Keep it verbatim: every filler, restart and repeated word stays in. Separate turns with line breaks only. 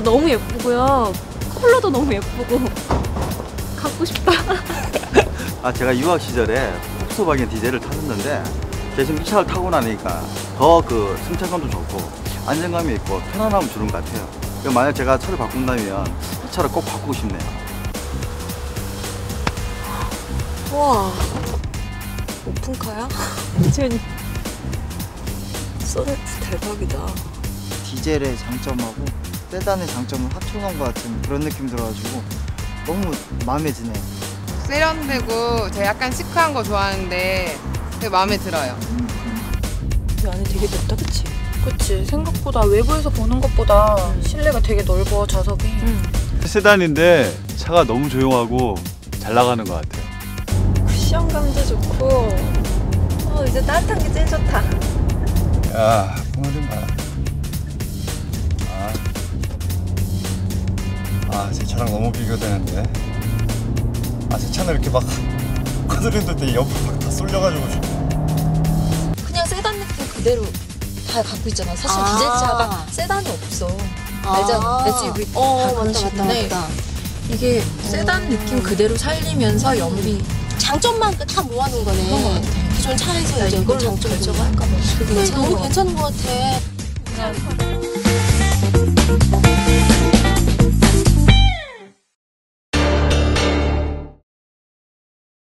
너무 예쁘고요. 컬러도 너무 예쁘고 갖고 싶다.
아, 제가 유학 시절에 폭스바겐 디젤을 탔었는데 대신 이 차를 타고 나니까 더 그 승차감도 좋고 안정감이 있고 편안함을 주는 것 같아요. 만약 제가 차를 바꾼다면 이 차를 꼭 바꾸고 싶네요.
와, 오픈카야?
완전
소네트 대박이다.
디젤의 장점하고 세단의 장점을 합쳐놓은 것 같은 그런 느낌 들어가지고 너무 마음에 드네요.
세련되고 제가 약간 시크한 거 좋아하는데 되게 마음에 들어요.
이 안에 되게 넓다, 그치?
그치. 생각보다 외부에서 보는 것보다 음. 실내가 되게 넓어, 좌석이.
음.
세단인데 차가 너무 조용하고 잘 나가는 것 같아요.
쿠션감도 좋고 어, 이제 따뜻한 게 제일 좋다.
야, 풍을 좀 봐라. 아, 아, 제 차랑 너무 비교되는데. 아, 제 차는 이렇게 막 거들는데 옆으로 막 다 쏠려가지고.
그냥 세단 느낌 그대로 다 갖고 있잖아. 사실
아.
디젤차가 세단이 없어.
아.
알잖아. 에스유브이
어,
다
맞다,
그런
맞다,
식인데
맞다.
이게 세단 느낌 그대로 살리면서 연비
장점만 다 모아놓은 거네.
그런 것 같아.
기존 차에서 이제
이걸로
장점
결정할까 봐.
근데
괜찮은
너무
것
괜찮은 것 같아.